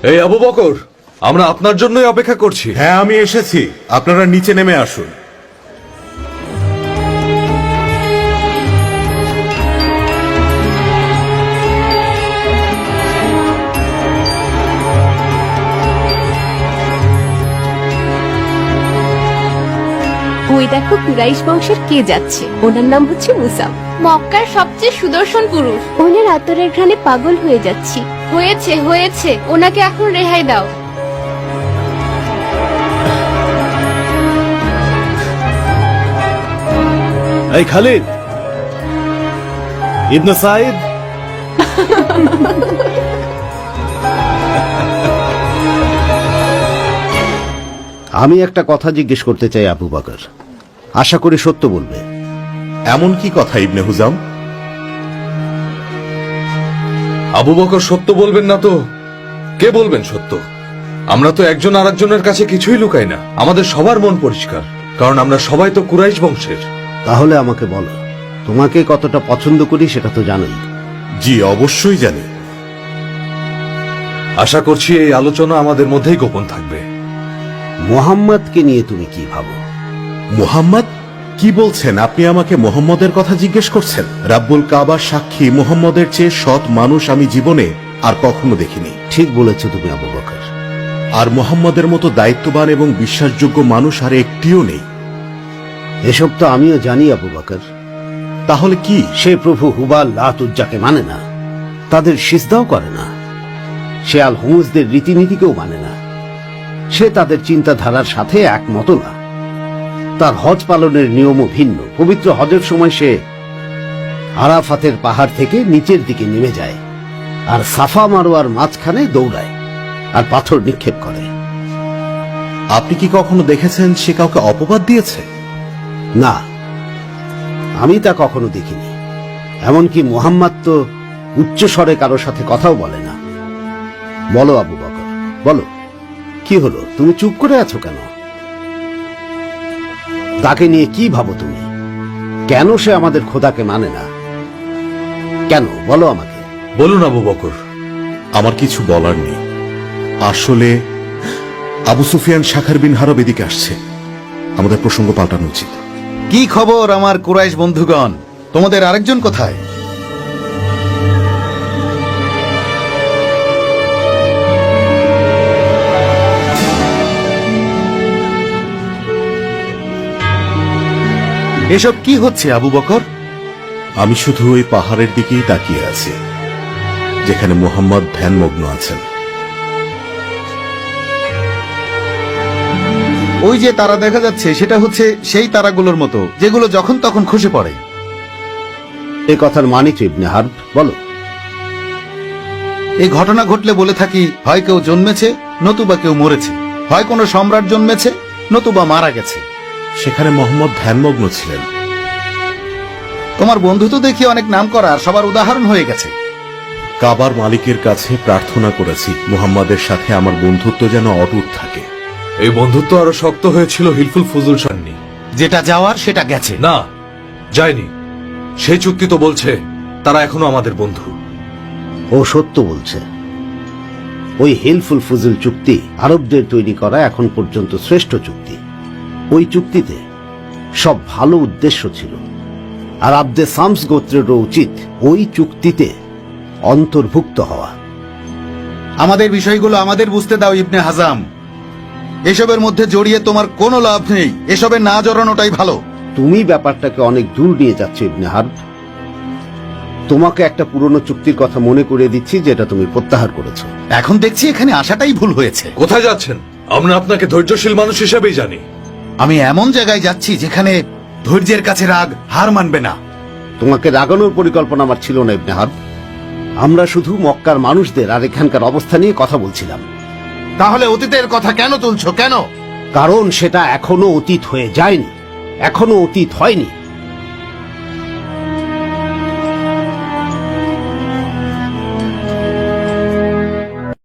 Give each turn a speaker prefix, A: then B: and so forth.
A: এই আবু বকর, আমরা আপনার জন্যই অপেক্ষা করছি।
B: হ্যাঁ, আমি এসেছি। আপনারা নিচে নেমে আসুন।
C: ওই দেখো কুরাইশ বংশের কে যাচ্ছে, ওনার নাম হচ্ছে মুসা।
D: মক্কার সবচেয়ে সুদর্শন পুরুষ।
C: ওনার আতরের ঘ্রাণে পাগল হয়ে যাচ্ছি।
D: হয়েছে হয়েছে, ওনাকে এখন রেহাই দাও।
E: এই খালিদ ইবনে সাইদ, আমি একটা কথা জিজ্ঞেস করতে চাই আবু বকর, আশা করি সত্য বলবে।
B: এমন কি কথা ইবনে হুজাম?
A: আবু বকর সত্য বলবেন না তো কে বলবেন সত্য? আমরা তো একজন আরেকজনের কাছে কিছুই লুকাই না। আমাদের সবার মন পরিষ্কার, কারণ আমরা সবাই তো কুরাইশ বংশের।
E: তাহলে আমাকে বলো, তোমাকে কতটা পছন্দ করি সেটা তো জানোই।
B: জি, অবশ্যই জানি।
A: আশা করছি এই আলোচনা আমাদের মধ্যেই গোপন থাকবে।
E: মোহাম্মদকে নিয়ে তুমি কি ভাবো?
B: মুহাম্মদ? কি বলছেন আপনি? আমাকে মোহাম্মদের কথা জিজ্ঞেস করছেন? রাব্বুল কাবার সাক্ষী, মোহাম্মদের চেয়ে সৎ মানুষ আমি জীবনে আর কখনো দেখিনি।
E: ঠিক বলেছো তুমি আবু বকর।
B: আর মোহাম্মদের মতো দায়িত্ববান এবং বিশ্বাসযোগ্য মানুষ আর একটিও নেই।
E: এসব তো আমিও জানি আবু বকর।
B: তাহলে কি?
E: সে প্রভু হুবাল লাত উজ্জাকে মানে না, তাদের সিজদাও করে না। সে আল হুমুজদের রীতিনীতিকেও মানে না। সে তাদের চিন্তাধারার সাথে একমত না। তার হজ পালনের নিয়মও ভিন্ন। পবিত্র হজের সময় সে আরাফাতের পাহাড় থেকে নিচের দিকে নেমে যায় আর সাফা মারোয়ার মাঝখানে দৌড়ায় আর পাথর নিক্ষেপ করে।
B: আপনি কি কখনো দেখেছেন সে কাউকে অপবাদ দিয়েছে?
E: না, আমি তা কখনো দেখিনি। এমনকি মুহাম্মদ তো উচ্চ স্বরে কারোর সাথে কথাও বলে না। বলো আবু বকর, বলো, কি হলো? তুমি চুপ করে আছো কেন? তাকে নিয়ে কি ভাবো তুমি? কেন সে আমাদের খোদাকে মানে না? কেন বলো আমাকে।
A: বলুন আবু বকর।
B: আমার কিছু বলার নেই। আসলে আবু সুফিয়ান শাখার বিন হারব এদিকে আসছে। আমাদের প্রসঙ্গ পাল্টানো উচিত।
F: কি খবর আমার কুরাইশ বন্ধুগণ? তোমাদের আরেকজন কোথায়? এসব কি হচ্ছে আবু বকর?
B: আমি শুধু ওই পাহাড়ের দিকেই তাকিয়ে আছি যেখানে মোহাম্মদ ধ্যানমগ্ন আছেন।
F: ওই যে তারা দেখা যাচ্ছে, সেটা হচ্ছে সেই তারাগুলোর মতো যেগুলো যখন তখন খসে পড়ে।
E: এ কথার মানে কি ইবনে হারব? বলো।
F: এই ঘটনা ঘটলে বলে থাকি, হয় কেউ জন্মেছে নতুবা কেউ মরেছে, হয় কোনো সম্রাট জন্মেছে নতুবা মারা গেছে।
B: সেখানে মোহাম্মদ ধ্যানমগ্ন ছিলেন।
F: তোমার বন্ধু তো দেখি অনেক নাম করা আর সবার উদাহরণ হয়ে গেছে।
B: কাবার মালিকের কাছে প্রার্থনা করেছি মুহাম্মাদের সাথে আমার বন্ধুত্ব যেন অটুট থাকে।
A: এই বন্ধুত্ব আরো শক্ত হয়েছিল হিলফুল ফুজুল সান্নি।
F: যেটা যাওয়ার সেটা গেছে।
A: না, যায়নি। সেই চুক্তি তো বলছে তারা এখনো আমাদের বন্ধু।
E: ও সত্য বলছে। ওই হিলফুল ফুজুল চুক্তি আরবদের তৈরি করা এখন পর্যন্ত শ্রেষ্ঠ চুক্তি। ওই চুক্তিতে সব ভালো উদ্দেশ্য ছিল, আর আব্দে সামস গোত্রেরও উচিত ওই চুক্তিতে অন্তর্ভুক্ত হওয়া।
F: আমাদের বিষয়গুলো আমাদের বুঝতে দাও ইবনে হাজাম। এসবের মধ্যে জড়িয়ে তোমার কোনো লাভ নেই। এসবে না জড়ানোটাই ভালো।
E: তুমি ব্যাপারটাকে অনেক দূর নিয়ে যাচ্ছ ইবনে হারব। তোমাকে একটা পুরনো চুক্তির কথা মনে করিয়ে দিচ্ছি, যেটা তুমি প্রত্যাহার করেছো।
F: এখন দেখছি এখানে আসাটাই ভুল হয়েছে।
A: কোথায় যাচ্ছেন? আমরা আপনাকে ধৈর্যশীল মানুষ হিসেবেই জানি।
F: আমি এমন জায়গায় যাচ্ছি যেখানে ধৈর্যের কাছে রাগ হার মানবে না।
E: তোমাকে রাগানোর পরিকল্পনা আমার ছিল না ইবনে হারব। আমরা শুধু মক্কার মানুষদের আর এখানকার অবস্থা নিয়ে কথা বলছিলাম।
F: তাহলে অতীতের কথা কেন তুলছো? কেন?
E: কারণ সেটা এখনো অতীত হয়ে যায়নি, এখনো অতীত হয়নি।